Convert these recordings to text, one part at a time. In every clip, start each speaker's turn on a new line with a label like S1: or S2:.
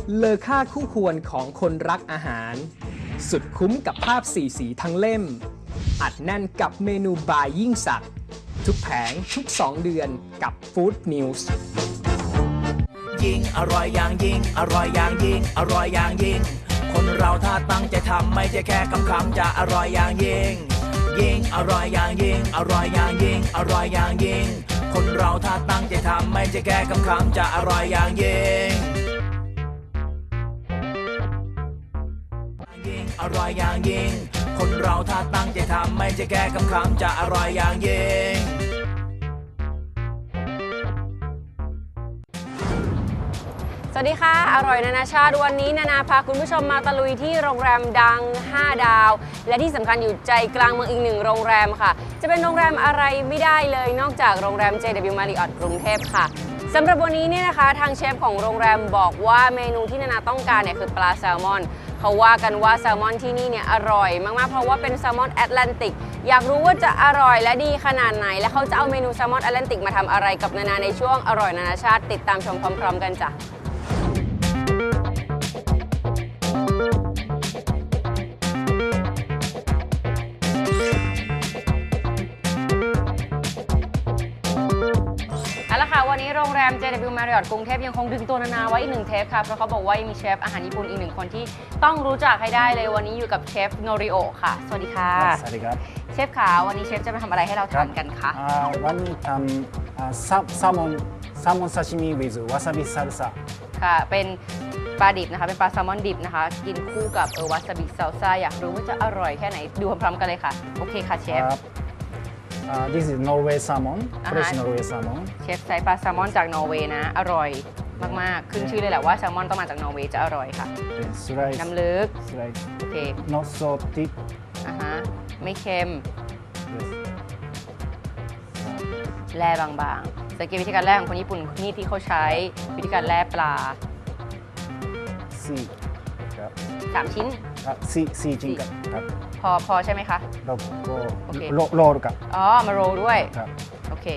S1: เลอค่าคู่ควรของคนรักอาหาร สุดคุ้มกับภาพสีสีทั้งเล่ม อัดแน่นกับเมนูบายยิ่งสักดิ์ทุกแผงทุก2 เดือนกับ Food News
S2: ยิ่งอร่อยอย่างยิ่งอร่อยอย่างยิ่งอร่อยอย่างยิ่งคนเราถ้าตั้งใจทำไม่ใช่แค่คำจะอร่อยอย่างยิ่งยิ่งอร่อยอย่างยิ่งอร่อยอย่างยิ่งอร่อยอย่างยิ่งคนเราถ้าตั้งใจทำไม่ใช่แค่คำจะอร่อยอย่างยิ่งอร่อยอย่างยิ่งคนเราถ้าตั้งใจทำไม่ใช่แค่คำจะอร่อยอย่างยิ่ง
S3: สวัสดีค่ะอร่อยนานาชาติวันนี้นานาพาคุณผู้ชมมาตะลุยที่โรงแรมดัง5 ดาวและที่สำคัญอยู่ใจกลางเมืองอีก1โรงแรมค่ะจะเป็นโรงแรมอะไรไม่ได้เลยนอกจากโรงแรม JW Marriott กรุงเทพค่ะสำหรับวันนี้เนี่ยนะคะทางเชฟของโรงแรมบอกว่าเมนูที่นานาต้องการเนี่ยคือปลาแซลมอนเขาว่ากันว่าแซลมอนที่นี่เนี่ยอร่อยมากๆเพราะว่าเป็นแซลมอนแอตแลนติกอยากรู้ว่าจะอร่อยและดีขนาดไหนและเขาจะเอาเมนูแซลมอนแอตแลนติกมาทำอะไรกับนานาในช่วงอร่อยนานาชาติติดตามชมพร้อมๆกันจ้ะวันนี้โรงแรม JW Marriott กรุงเทพยังคงดึงตัวนานาไว้อีก1 เทปค่ะเพราะเขาบอกว่ามีเชฟอาหารญี่ปุ่นอีก1 คนที่ต้องรู้จักให้ได้เลยวันนี้อยู่กับเชฟโนริโอะค่ะสวัสดีค่ะ
S4: สวัสดีครับ
S3: เชฟขาวันนี้เชฟจะมาทำอะไรให้เราทานกันคะ
S4: วันนี้ทำแซลมอนซาชิมิ with วาซาบิซาลซ่า
S3: ค่ะเป็นปลาดิบนะคะเป็นปลาแซลมอนดิบนะคะกินคู่กับวาซาบิซาลซ่าอยากรู้ว่าจะอร่อยแค่ไหนดูพร้อมๆกันเลยค่ะโอเคค่ะเชฟ
S4: This is Norway salmon, fresh Norway salmon.
S3: เชฟใช้ปลาแซลมอนจากนอร์เวย์นะอร่อยมากๆขึ้นชื่อเลยแหละว่าแซลมอนต้องมาจากนอร์เวย์จะอร่อยค่ะน้ำลึกโอเค
S4: Not so thick.
S3: ไม่เค็มแร่บางๆสังเกตวิธีการแร่ของคนญี่ปุ่นนี่ที่เขาใช้วิธีการแร่ปลา3 ชิ้น
S4: 4 ชิ้นครับ
S3: พอใช่ไหมคะ
S4: แล้วก็โรลครับ
S3: มาโรลด้วยโอเค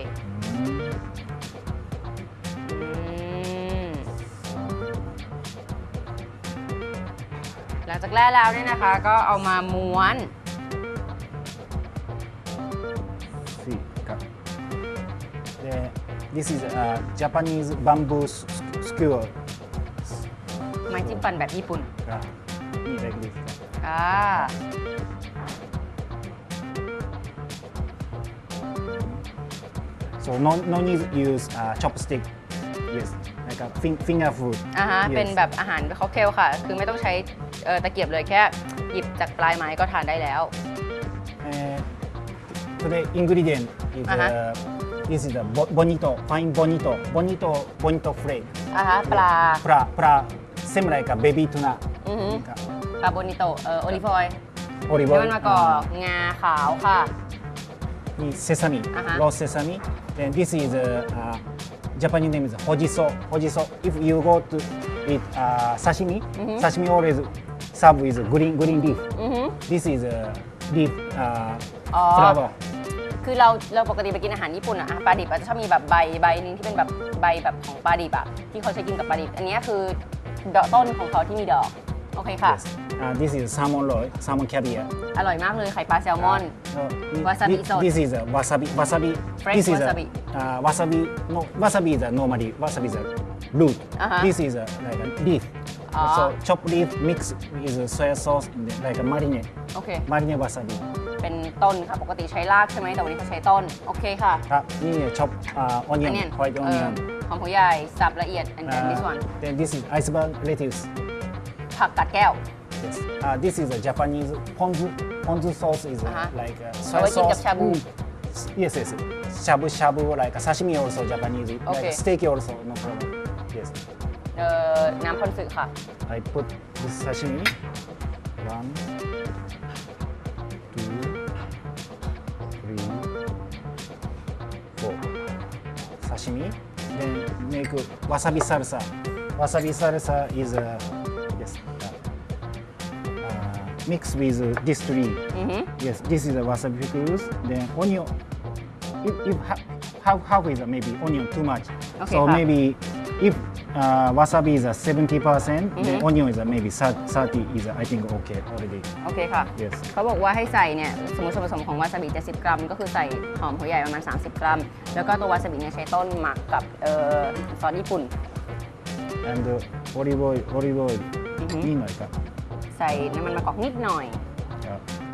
S3: หลังจากแร่แล้วเนี่ยนะคะก็เอามาม้วน
S4: ครับ This is Japanese bamboo skewer
S3: ไม้จิ้มฟันแบบญี่ปุ่น
S4: นี่ like this So no need use chopstick. Yes, like a finger food.
S3: เป็นแบบอาหารค็อกเทลค่ะคือไม่ต้องใช้ตะเกียบเลยแค่หยิบจากปลายไม้ก็ทานได้แล้ว
S4: Today ingredient is this is the fine bonito flake.
S3: ปลา
S4: same like a baby tuna.
S3: ปลาโบนิโตโอลิฟออยล์มันมะกอกงาขาวค่ะ
S4: Sesame, raw sesame. Then this is Japanese name is hojiso. If you go to eat sashimi, sashimi always serve with green leaf. This is leaf flower.
S3: คือเราปกติไปกินอาหารญี่ปุ่นอะปลาดิบจะชอบมีแบบใบนึงที่เป็นแบบใบแบบของปลาดิบอะที่เขาใช้กินกับปลาดิบอันนี้คือต้นของเขาที่มีดอกโอเคค่ะ
S4: This is salmon roll, salmon caviar.
S3: อร่อยมากเลยไข่ปลาแซลมอนวาซาบิสด
S4: This is wasabi.
S3: Fresh
S4: This is
S3: wasabi.
S4: Wasabi. No, wasabi is normally wasabi is a root. This is like a leaf. So chopped leaf mix with soy sauce like a marinade.
S3: โอเค
S4: Marinade wasabi.
S3: เป็นต้นค่ะปกติใช้รากใช่ไหมแต่วันนี้เขาใช้ต้นโอเคค่ะ
S4: ครับนี่ chop onion white onion
S3: หอมหัวใหญ่สับละเอียด and then this one
S4: then this is iceberg lettuce
S3: ผักกัดแก้ว
S4: yes this is a Japanese ponzu sauce is like
S3: soy sauce กับชาบู
S4: yes shabu like sashimi also Japanese like steak also no problem yes
S3: น้ำพอนสึค่ะ
S4: I put this sashimi 1 Sashimi, then make wasabi salsa. Wasabi salsa is mixed with this tree. Yes, this is a wasabi pickles. Then onion. If half is maybe onion too much.
S3: Okay,
S4: so maybe if wasabi is 70%, the onion is maybe 30 is I think okay already.
S3: โอเคค่ะ
S4: Yes.
S3: เขาบอกว่าให้ใส่เนี่ยสมมติส่วนผสมของวาซาบิ70 กรัม ก็คือใส่หอมหัวใหญ่ประมาณ30 กรัม แล้วก็ตัววาซาบิเนี่ยใช้ต้นหมักกับซอสญี่ปุ่น
S4: And olive oil นี่หน่อยครับ
S3: ใส่น้ำมันมะกอกนิดหน่อย
S4: ครับ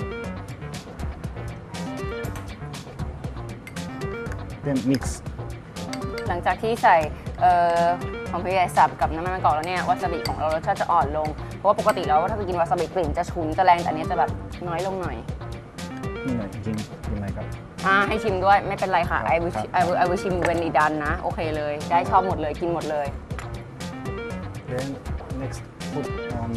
S4: Then mix
S3: หลังจากที่ใส่หอมหัวใหญ่สับกับน้ำมันมะกอกแล้วเนี่ยวาซาบิของเรารสชาติจะอ่อนลง เพราะว่าปกติแล้วถ้าไปกินวาซาบิกลิ่นจะฉุนจะแรงแต่อันนี้จะแบบน้อยลงหน่อย
S4: นี่หน่อยกินไหมครับ
S3: ให้ชิมด้วยไม่เป็นไรค่ะ
S4: ครับ
S3: I will ชิมเวนดีดันนะ โอเคเลย ได้ชอบหมดเลยกินหมดเลย
S4: Then next put on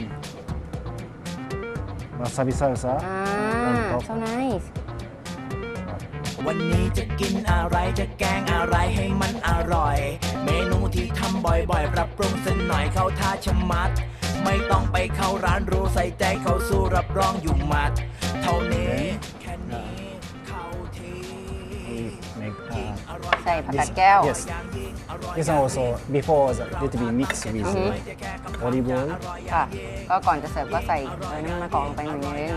S4: wasabi salsa on top.
S3: so nice
S2: วันนี้จะกินอะไรจะแกงอะไรให้มันอร่อย เมนูที่ทำบ่อยๆ ปรับปรุงสักหน่อยเข้าท่าชะมัด ไม่ต้องไปเข้าร้านรู้ใส่ใจเข้าสู้รับรองอยู่หมัด เท่านี้แค่นี้เข้าที
S4: Make
S3: ใส่ผักกาดแก้ว
S4: yes. This one also before a little bit mix with olive oil.
S3: ค่ะ ก็ก่อนจะเสิร์ฟก็ใส่น้ำมันมะกอกลงไปหน่อยนึง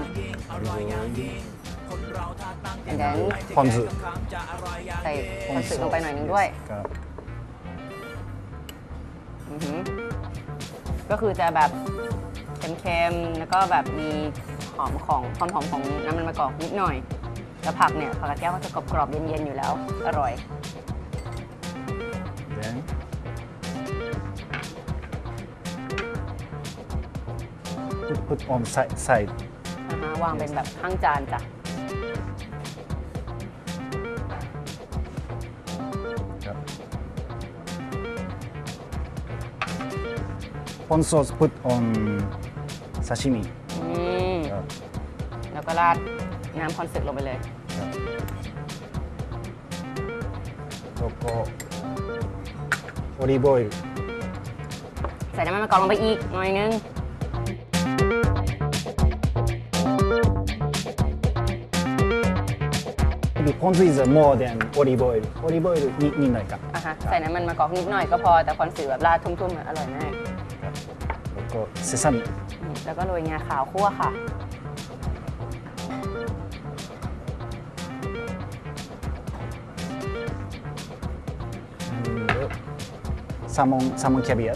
S3: and then
S4: พอนซึ
S3: ใส่คอนสึลงไปหน่อยนึงด้วย
S4: ครับ
S3: ก็คือจะแบบเค็มๆ แล้วก็แบบมีความหอมของน้ำมันมะกอกนิดหน่อย แล้วผักเนี่ยผักกาดแก้วก็จะกรอบๆเย็นๆอยู่แล้ว อร่อย
S4: Then put on side.
S3: วางเป็นแบบข้างจานจ้ะ
S4: ครับ Pon sauce put on sashimi. ครับ
S3: แล้วก็ราดน้ำคอนสึกลงไปเลย
S4: ครับแล้วก็ olive oil
S3: ใส่น้ำมันมะกอกลงไปอีกหน่อยนึง
S4: maybe ponzu is more than olive oil. Olive oil นิดหน่อยครับ
S3: ใส่น้ำมันมะกอกนิดหน่อยก็พอ แต่คอนสึกแบบราดทุ่มๆอร่อยมาก
S4: ครับแล้วก็ sesame
S3: แล้วก็โรยงาขาวคั่วค่ะ
S4: and salmon caviar.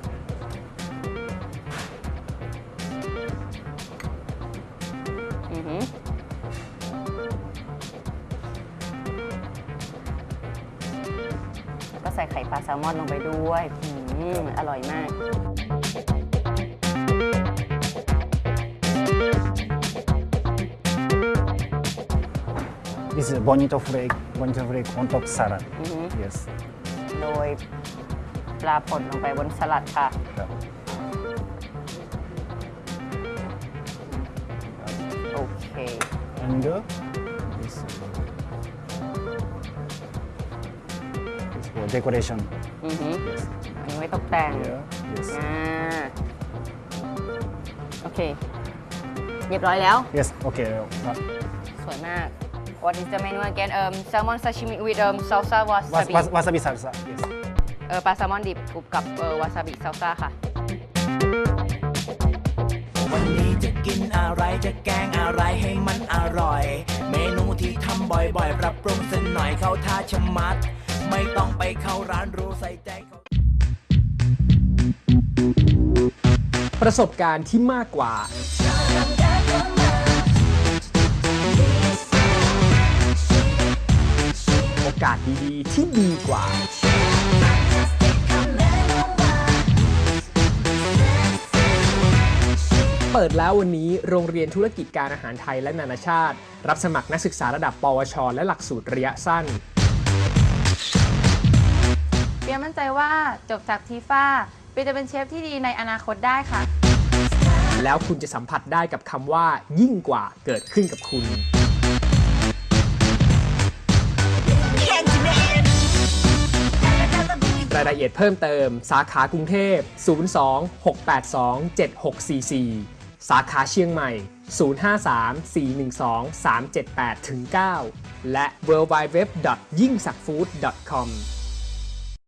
S3: แล้วก็ใส่ไข่ปลาแซลมอนลงไปด้วยอร่อยมาก
S4: This is bonito flake on top salad. Yes.
S3: โรยปลาป่นลงไปบนสลัดค่ะ
S4: ครับ
S3: โอเค
S4: and this for decoration.
S3: อั
S4: Yes.
S3: นนี้ไว้ตกแต่ง
S4: Here. Yes.
S3: โอเค เรียบร้อยแล้ว
S4: Yes. Okay. ครับ
S3: สวยมาก What is the menu again? Salmon sashimi with salsa wasabi.
S4: Wasabi salsa. Yes.
S3: ปลาแซลมอนดิบกรุบกับวาซาบิซัลซ่าค่ะ
S2: วันนี้จะกินอะไรจะแกงอะไรให้มันอร่อย เมนูที่ทำบ่อยๆ ปรับปรุงสักหน่อยเข้าท่าชะมัด ไม่ต้องไปเข้าร้านรู้ใส่ใจเขา
S1: ประสบการณ์ที่มากกว่า โอกาสดีๆที่ดีกว่า เปิดแล้ววันนี้โรงเรียนธุรกิจการอาหารไทยและนานาชาติ รับสมัครนักศึกษาระดับ ปวช และหลักสูตรระยะสั้น
S5: เปียมั่นใจว่าจบจากทีฟ้าเปียจะเป็นเชฟที่ดีในอนาคตได้ค่ะ
S1: แล้วคุณจะสัมผัสได้กับคำว่ายิ่งกว่าเกิดขึ้นกับคุณ รายละเอียดเพิ่มเติมสาขากรุงเทพ 02-682-7644 สาขาเชียงใหม่ 053-412-378-9 และ www.yingsakfood.com